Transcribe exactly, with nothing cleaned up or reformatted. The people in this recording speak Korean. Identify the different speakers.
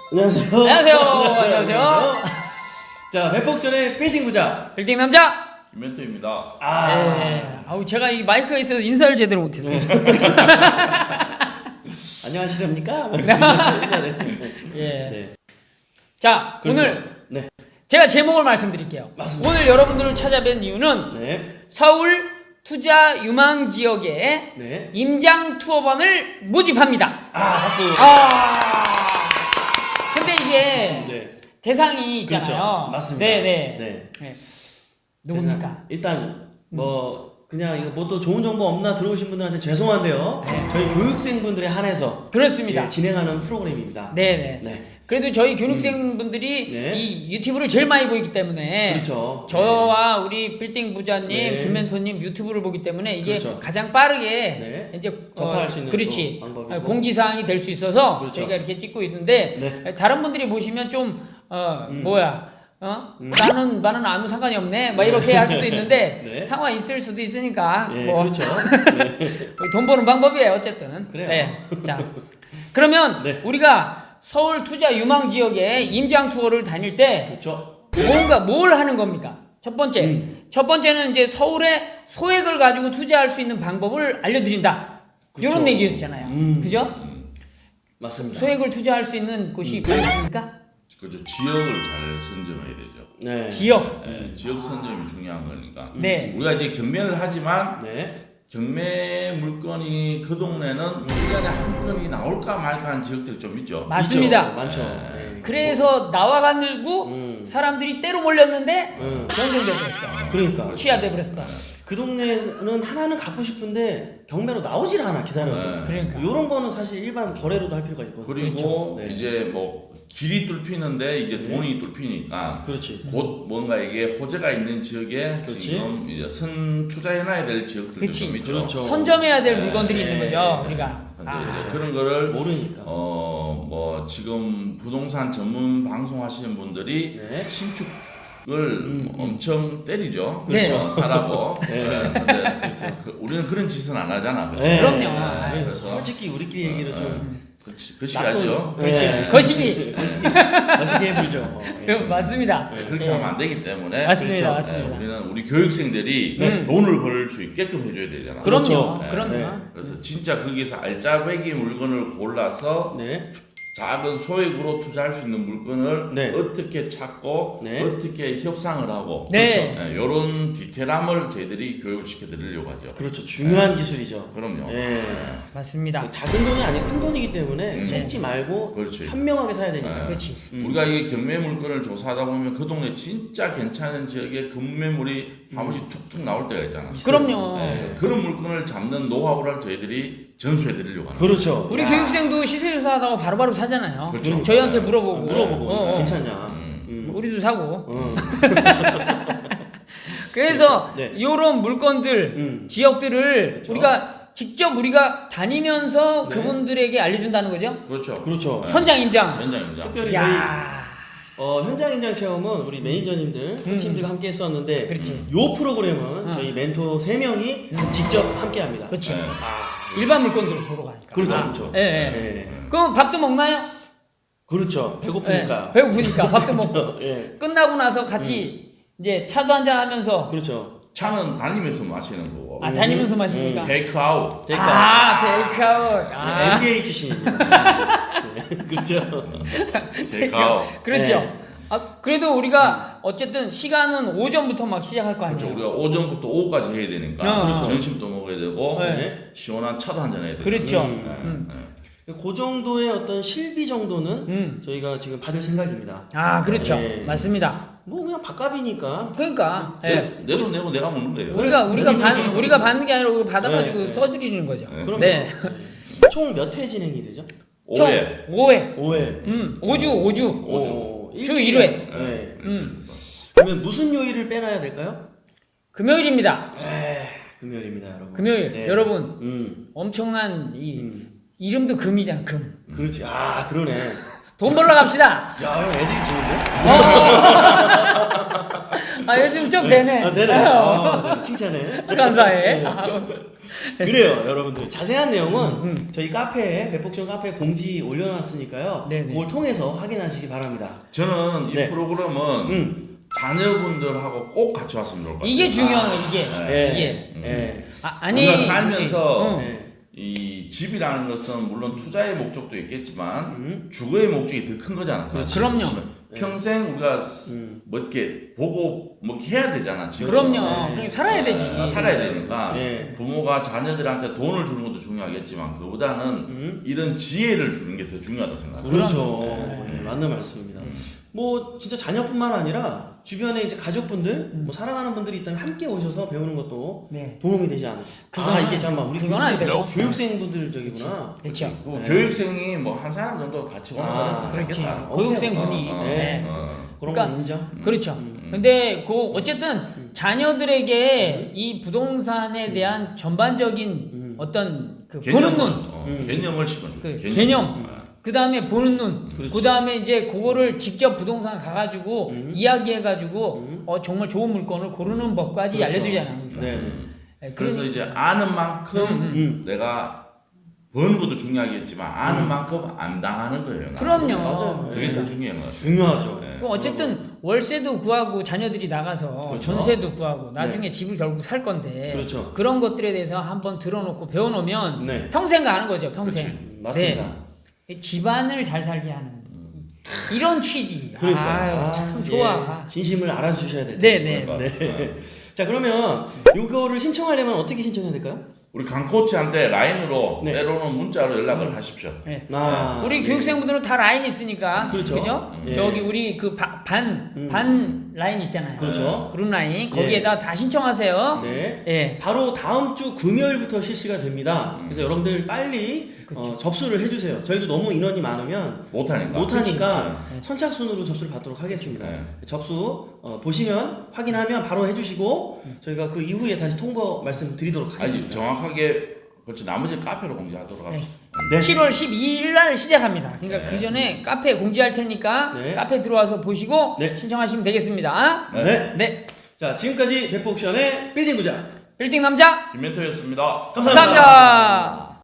Speaker 1: 안녕하세요.
Speaker 2: 안녕하세요. 안녕하세요.
Speaker 1: 자, 백폭전의 빌딩 부자
Speaker 2: 빌딩 남자
Speaker 3: 김멘토입니다.
Speaker 1: 아,
Speaker 2: 네. 아우 제가 이 마이크가 있어서 인사를 제대로 못했어요.
Speaker 1: 안녕하시렵니까?
Speaker 2: 예.
Speaker 1: 네.
Speaker 2: 자,
Speaker 1: 그렇죠.
Speaker 2: 오늘
Speaker 1: 네.
Speaker 2: 제가 제목을 말씀드릴게요.
Speaker 1: 맞습니다.
Speaker 2: 오늘 여러분들을 찾아뵌 이유는
Speaker 1: 네.
Speaker 2: 서울 투자 유망 지역에
Speaker 1: 네.
Speaker 2: 임장 투어반을 모집합니다.
Speaker 1: 아, 박수.
Speaker 2: 아. 근데 이게
Speaker 1: 네.
Speaker 2: 대상이 있잖아요.
Speaker 1: 그렇죠. 맞습니다.
Speaker 2: 네, 네.
Speaker 1: 네.
Speaker 2: 네. 누굽니까?
Speaker 1: 세상, 일단 뭐 그냥 이거 뭐 또 좋은 정보 없나 들어오신 분들한테 죄송한데요. 저희 교육생분들에 한해서
Speaker 2: 그렇습니다.
Speaker 1: 예, 진행하는 프로그램입니다.
Speaker 2: 네, 네.
Speaker 1: 네.
Speaker 2: 그래도 저희 교육생분들이
Speaker 1: 네.
Speaker 2: 이 유튜브를 제일 많이 보기 때문에
Speaker 1: 그렇죠.
Speaker 2: 저와 우리 빌딩 부자님,
Speaker 1: 네.
Speaker 2: 김멘토님 유튜브를 보기 때문에 이게
Speaker 1: 그렇죠.
Speaker 2: 가장 빠르게
Speaker 1: 네.
Speaker 2: 이제
Speaker 1: 접할 수 있는
Speaker 2: 그렇지
Speaker 1: 또 방법이고.
Speaker 2: 공지사항이 될 수 있어서
Speaker 1: 그렇죠.
Speaker 2: 저희가 이렇게 찍고 있는데
Speaker 1: 네.
Speaker 2: 다른 분들이 보시면 좀 어,
Speaker 1: 음.
Speaker 2: 뭐야 어?
Speaker 1: 음.
Speaker 2: 나는 나는 아무 상관이 없네 막 이렇게 할 수도 있는데
Speaker 1: 네.
Speaker 2: 상황 있을 수도 있으니까
Speaker 1: 예,
Speaker 2: 뭐
Speaker 1: 그렇죠. 네.
Speaker 2: 돈 버는 방법이에요 어쨌든.
Speaker 1: 그래요.
Speaker 2: 네. 자 그러면
Speaker 1: 네.
Speaker 2: 우리가 서울 투자 유망 지역에 임장 투어를 다닐 때
Speaker 1: 그렇죠.
Speaker 2: 뭔가 뭘 하는 겁니까? 첫 번째,
Speaker 1: 음.
Speaker 2: 첫 번째는 이제 서울에 소액을 가지고 투자할 수 있는 방법을 알려드린다.
Speaker 1: 그쵸.
Speaker 2: 이런 얘기였잖아요.
Speaker 1: 음.
Speaker 2: 그죠?
Speaker 1: 맞습니다.
Speaker 2: 소액을 투자할 수 있는 곳이 뭐 있습니까?
Speaker 3: 그죠. 지역을 잘 선점해야 되죠.
Speaker 1: 네.
Speaker 2: 지역.
Speaker 3: 네, 지역 선점이 중요한 거니까.
Speaker 2: 네.
Speaker 3: 우리가 이제 경매를 하지만
Speaker 1: 네.
Speaker 3: 경매 물건이 그 동네는 일 년에 한 건이 나올까 말까 하는 지역들이 좀 있죠.
Speaker 2: 맞습니다.
Speaker 1: 있죠. 많죠.
Speaker 3: 네.
Speaker 1: 네.
Speaker 2: 그래서 나와가지고
Speaker 1: 음.
Speaker 2: 사람들이 때로 몰렸는데
Speaker 1: 음.
Speaker 2: 경쟁돼 버렸어.
Speaker 1: 그러니까
Speaker 2: 취하돼 버렸어.
Speaker 1: 그 동네는 하나는 갖고 싶은데 경매로 나오질 않아 기다려도.
Speaker 3: 네.
Speaker 2: 그러니까.
Speaker 1: 이런 거는 사실 일반 거래로도 할 필요가 있거든요.
Speaker 3: 그리고
Speaker 1: 그렇죠. 네.
Speaker 3: 이제 뭐 길이 뚫히는데 이제
Speaker 1: 네.
Speaker 3: 돈이 뚫히니까
Speaker 1: 그렇지.
Speaker 3: 곧 뭔가 이게 호재가 있는 지역에
Speaker 1: 그렇지.
Speaker 3: 지금 이제 선 투자해놔야 될 지역들도
Speaker 2: 그치.
Speaker 3: 좀 있죠.
Speaker 1: 그렇죠.
Speaker 2: 선점해야 될
Speaker 3: 네.
Speaker 2: 물건들이 있는 거죠, 우리가.
Speaker 3: 근데
Speaker 2: 아.
Speaker 3: 이제 그런 거를
Speaker 1: 모르니까.
Speaker 3: 어 뭐 지금 부동산 전문 방송 하시는 분들이
Speaker 1: 네.
Speaker 3: 신축을
Speaker 1: 음, 음.
Speaker 3: 엄청 때리죠.
Speaker 2: 네.
Speaker 3: 그렇죠. 사라고.
Speaker 1: 네.
Speaker 3: 네. 근데 그, 우리는 그런 짓은 안 하잖아. 그렇죠.
Speaker 1: 네.
Speaker 2: 그럼요.
Speaker 1: 네.
Speaker 3: 그래서
Speaker 1: 솔직히 우리끼리 얘기를 좀
Speaker 3: 그, 그시 하죠.
Speaker 2: 그렇지.
Speaker 1: 네.
Speaker 2: 거시기.
Speaker 1: 거시기 해보죠.
Speaker 2: 그, 맞습니다.
Speaker 3: 네, 그렇게
Speaker 2: 예.
Speaker 3: 하면 안 되기 때문에
Speaker 2: 맞습니다,
Speaker 3: 그렇죠.
Speaker 2: 맞습니다.
Speaker 3: 네, 우리는 우리 교육생들이
Speaker 2: 네.
Speaker 3: 돈을 벌 수 있게끔 해줘야 되잖아.
Speaker 2: 그럼요.
Speaker 1: 그렇죠.
Speaker 2: 그럼요.
Speaker 1: 네.
Speaker 3: 그래서 진짜 거기서 알짜배기 물건을 골라서
Speaker 1: 네.
Speaker 3: 작은 소액으로 투자할 수 있는 물건을
Speaker 1: 네.
Speaker 3: 어떻게 찾고
Speaker 1: 네.
Speaker 3: 어떻게 협상을 하고
Speaker 2: 네.
Speaker 3: 그렇죠. 이런 디테일함을 저희들이 교육을 시켜드리려고 하죠.
Speaker 1: 그렇죠. 중요한 기술이죠.
Speaker 3: 그럼요.
Speaker 1: 네.
Speaker 2: 맞습니다.
Speaker 1: 작은 돈이 아닌 큰 돈이기 때문에
Speaker 3: 음.
Speaker 1: 속지 말고
Speaker 3: 그렇지.
Speaker 1: 현명하게 사야 되니까.
Speaker 3: 네.
Speaker 2: 그렇지.
Speaker 1: 음.
Speaker 3: 우리가 이 경매 물건을 조사하다 보면 그 동네 진짜 괜찮은 지역에 금매물이 한 번씩 툭툭 나올 때가 있잖아.
Speaker 2: 그럼요.
Speaker 3: 네, 그런 물건을 잡는 노하우를 저희들이 전수해드리려고 합니다.
Speaker 1: 그렇죠.
Speaker 2: 우리
Speaker 1: 야.
Speaker 2: 교육생도 시세 조사하다가 바로바로 사잖아요.
Speaker 3: 그렇죠.
Speaker 2: 저희한테
Speaker 3: 네.
Speaker 2: 물어보고.
Speaker 1: 물어보고
Speaker 2: 어, 어.
Speaker 1: 괜찮냐.
Speaker 3: 음.
Speaker 1: 음.
Speaker 2: 우리도 사고.
Speaker 1: 어.
Speaker 2: 그래서
Speaker 1: 네.
Speaker 2: 이런 물건들,
Speaker 1: 음.
Speaker 2: 지역들을
Speaker 1: 그렇죠.
Speaker 2: 우리가 직접 우리가 다니면서
Speaker 1: 네.
Speaker 2: 그분들에게 알려준다는 거죠.
Speaker 3: 그렇죠.
Speaker 1: 그렇죠.
Speaker 3: 네.
Speaker 2: 현장 임장.
Speaker 3: 현장입니다.
Speaker 1: 특별히 저희
Speaker 2: 야,
Speaker 1: 어, 현장 임장 체험은 우리 매니저님들, 그
Speaker 2: 음.
Speaker 1: 팀들과 함께 했었는데
Speaker 2: 그렇지.
Speaker 1: 요 프로그램은
Speaker 2: 어.
Speaker 1: 저희 멘토 세 명이
Speaker 2: 음.
Speaker 1: 직접 함께 합니다.
Speaker 2: 그렇지.
Speaker 3: 네.
Speaker 2: 일반 물건들을 보러 가니까.
Speaker 1: 그렇죠.
Speaker 2: 아,
Speaker 1: 그렇죠.
Speaker 2: 예, 예.
Speaker 1: 네.
Speaker 2: 그럼 밥도 먹나요?
Speaker 1: 그렇죠. 배고프니까.
Speaker 2: 예, 배고프니까 밥도 먹고.
Speaker 1: 예.
Speaker 2: 끝나고 나서 같이 이제 차도 한잔 하면서
Speaker 1: 그렇죠.
Speaker 3: 차는 다니면서 마시는 거고.
Speaker 2: 아 다니면서 마십니까?
Speaker 3: 테이크아웃.
Speaker 1: 테이크아웃.
Speaker 2: 아 테이크아웃. 아,
Speaker 1: 엠비에이 출신입니다. 네. 그렇죠.
Speaker 3: 테이크아웃.
Speaker 2: 그렇죠.
Speaker 1: 네.
Speaker 2: 아 그래도 우리가 어쨌든 시간은 오전부터 막 시작할 거 아니에요.
Speaker 3: 그렇죠. 우리가 오전부터 오후까지 해야 되니까
Speaker 2: 어,
Speaker 3: 그렇죠.
Speaker 2: 어.
Speaker 3: 점심도 먹어야 되고
Speaker 2: 네.
Speaker 3: 시원한 차도 한잔 해야 되고.
Speaker 2: 그렇죠.
Speaker 1: 음.
Speaker 2: 음.
Speaker 1: 그 정도의 어떤 실비 정도는
Speaker 2: 음.
Speaker 1: 저희가 지금 받을 생각입니다.
Speaker 2: 아 그렇죠.
Speaker 1: 네.
Speaker 2: 맞습니다.
Speaker 1: 뭐 그냥 밥값이니까.
Speaker 2: 그러니까 예.
Speaker 3: 내, 내 돈 내고 내가 먹는 거예요.
Speaker 2: 우리가 우리가
Speaker 1: 네.
Speaker 2: 받 우리가 받는 게 아니라 우리가 받아가지고
Speaker 1: 네, 네.
Speaker 2: 써드리는 거죠.
Speaker 3: 네.
Speaker 1: 그럼
Speaker 2: 네.
Speaker 1: 총 몇 회 진행이 되죠?
Speaker 3: 오해.
Speaker 2: 오 회.
Speaker 1: 오 회.
Speaker 2: 음. 오 주 오 주.
Speaker 1: 오,
Speaker 2: 주
Speaker 1: 일주일에-
Speaker 2: 일 회.
Speaker 1: 네.
Speaker 2: 음.
Speaker 1: 그러면 무슨 요일을 빼놔야 될까요?
Speaker 2: 금요일입니다.
Speaker 1: 에이, 금요일입니다, 여러분.
Speaker 2: 금요일.
Speaker 1: 네.
Speaker 2: 여러분
Speaker 1: 음,
Speaker 2: 엄청난 이
Speaker 1: 음.
Speaker 2: 이름도 금이잖아. 금.
Speaker 1: 그렇지. 아, 그러네.
Speaker 2: 돈 벌러 갑시다.
Speaker 1: 야, 형 애들이 좋은데?
Speaker 2: 어. 아 요즘 좀 되네.
Speaker 1: 아, 되네. 아, 네, 칭찬해.
Speaker 2: 감사해.
Speaker 1: 네. 그래요, 여러분들. 자세한 내용은 저희 카페에, 백복션 카페에 공지 올려놨으니까요.
Speaker 2: 네네.
Speaker 1: 그걸 통해서 확인하시기 바랍니다.
Speaker 3: 저는 이
Speaker 1: 네.
Speaker 3: 프로그램은
Speaker 1: 음.
Speaker 3: 자녀분들하고 꼭 같이 왔으면 좋을 것 같아요.
Speaker 2: 이게 중요한 거 이게.
Speaker 1: 네.
Speaker 2: 이게.
Speaker 1: 네.
Speaker 2: 아, 아니
Speaker 3: 우리가 살면서
Speaker 2: 응.
Speaker 1: 네.
Speaker 3: 이 집이라는 것은 물론 투자의 목적도 있겠지만
Speaker 1: 음.
Speaker 3: 주거의 목적이 더 큰 거잖아.
Speaker 2: 그렇죠. 그럼요.
Speaker 3: 평생 우리가
Speaker 1: 음.
Speaker 3: 뭐 이렇게 보고 뭐 이렇게 해야 되잖아. 집에서.
Speaker 2: 그럼요.
Speaker 1: 네.
Speaker 2: 그렇게 살아야 되지.
Speaker 3: 아, 살아야 되니까
Speaker 1: 네.
Speaker 3: 부모가 자녀들한테 돈을 주는 것도 중요하겠지만 그보다는
Speaker 1: 음.
Speaker 3: 이런 지혜를 주는 게 더 중요하다 생각해요.
Speaker 1: 그렇죠.
Speaker 2: 네.
Speaker 1: 네, 맞는 말씀입니다. 뭐 진짜 자녀뿐만 아니라 주변에 이제 가족분들, 뭐 사랑하는 분들이 있다면 함께 오셔서 배우는 것도
Speaker 2: 네.
Speaker 1: 도움이 되지 않을까. 아
Speaker 2: 그거는-
Speaker 1: 이게 잠깐만 우리
Speaker 2: 그건 안 되고.
Speaker 1: 교육생분들 저기구나.
Speaker 2: 그렇죠.
Speaker 3: 그
Speaker 1: 네.
Speaker 3: 교육생이 뭐 한 사람 정도 같이 오는
Speaker 1: 아,
Speaker 3: 거는
Speaker 2: 그렇지.
Speaker 3: 괜찮겠다.
Speaker 2: 교육생
Speaker 1: 오케이.
Speaker 2: 분이.
Speaker 3: 어, 어,
Speaker 2: 네.
Speaker 3: 어.
Speaker 1: 그런
Speaker 2: 그러니까
Speaker 1: 건 인정.
Speaker 2: 그렇죠. 근데 그 어쨌든 자녀들에게 이 부동산에 대한 전반적인 어떤 그 보는
Speaker 3: 개념을,
Speaker 2: 눈,
Speaker 3: 어,
Speaker 1: 음.
Speaker 3: 개념을 심어줘.
Speaker 2: 그 개념. 그 다음에 보는 눈,
Speaker 1: 그렇지.
Speaker 2: 그 다음에 이제 그거를 직접 부동산 가가지고
Speaker 1: 음.
Speaker 2: 이야기해가지고
Speaker 1: 음.
Speaker 2: 어 정말 좋은 물건을 고르는 법까지
Speaker 1: 그렇죠.
Speaker 2: 알려주잖아요.
Speaker 1: 네.
Speaker 2: 네,
Speaker 3: 그래서
Speaker 2: 그러니-
Speaker 3: 이제 아는 만큼
Speaker 1: 음.
Speaker 3: 내가 버는 것도 중요하겠지만 아는
Speaker 1: 음.
Speaker 3: 만큼 안 당하는 거예요. 나는.
Speaker 2: 그럼요.
Speaker 1: 맞아요.
Speaker 3: 그게
Speaker 1: 네.
Speaker 3: 더 중요한 것 같아요.
Speaker 1: 중요하죠.
Speaker 3: 네.
Speaker 2: 그 어쨌든 월세도 구하고 자녀들이 나가서
Speaker 1: 그렇죠.
Speaker 2: 전세도 구하고 나중에 집을 결국 살 건데
Speaker 1: 그렇죠.
Speaker 2: 런 것들에 대해서 한번 들어놓고 배워놓으면
Speaker 1: 네.
Speaker 2: 평생 가는 거죠. 평생.
Speaker 1: 음, 맞습니다.
Speaker 2: 네. 집안을 잘 살게 하는 이런 취지.
Speaker 1: 그러니까
Speaker 2: 아유, 참 좋아.
Speaker 1: 예, 진심을 알아주셔야 될
Speaker 2: 네네.
Speaker 3: 그러니까.
Speaker 1: 네. 자 그러면 요거를 신청하려면 어떻게 신청해야 될까요?
Speaker 3: 우리 강 코치한테 라인으로
Speaker 1: 네.
Speaker 3: 때로는 문자로 연락을 하십시오.
Speaker 2: 네.
Speaker 1: 아,
Speaker 2: 우리
Speaker 1: 예.
Speaker 2: 교육생분들은 다 라인 있으니까
Speaker 1: 그렇죠.
Speaker 2: 그죠?
Speaker 1: 예.
Speaker 2: 저기 우리 그 반
Speaker 1: 음.
Speaker 2: 반 라인 있잖아요.
Speaker 1: 그렇죠.
Speaker 2: 그룹 라인 거기에다 다 신청하세요.
Speaker 1: 네.
Speaker 2: 예.
Speaker 1: 바로 다음 주 금요일부터 실시가 됩니다.
Speaker 3: 음.
Speaker 1: 그래서 여러분들 빨리
Speaker 2: 그렇죠.
Speaker 1: 어, 접수를 해주세요. 저희도 너무 인원이 많으면
Speaker 3: 못하니까.
Speaker 1: 못하니까 선착순으로 접수를 받도록 하겠습니다.
Speaker 3: 네.
Speaker 1: 접수 어, 보시면 확인하면 바로 해주시고 저희가 그 이후에 다시 통보 말씀드리도록
Speaker 3: 아니
Speaker 1: 하겠습니다.
Speaker 3: 정확하게 그렇죠. 나머지 카페로 공지하도록 합시다.
Speaker 1: 네.
Speaker 2: 칠월 십이일 날 시작합니다. 그러니까
Speaker 3: 네.
Speaker 2: 그 전에 카페에 공지할 테니까
Speaker 1: 네.
Speaker 2: 카페 들어와서 보시고
Speaker 1: 네.
Speaker 2: 신청하시면 되겠습니다.
Speaker 1: 네.
Speaker 2: 네.
Speaker 1: 자 지금까지 백복션의 빌딩 부자
Speaker 2: 빌딩 남자
Speaker 3: 김멘토였습니다.
Speaker 1: 감사합니다.
Speaker 2: 감사합니다.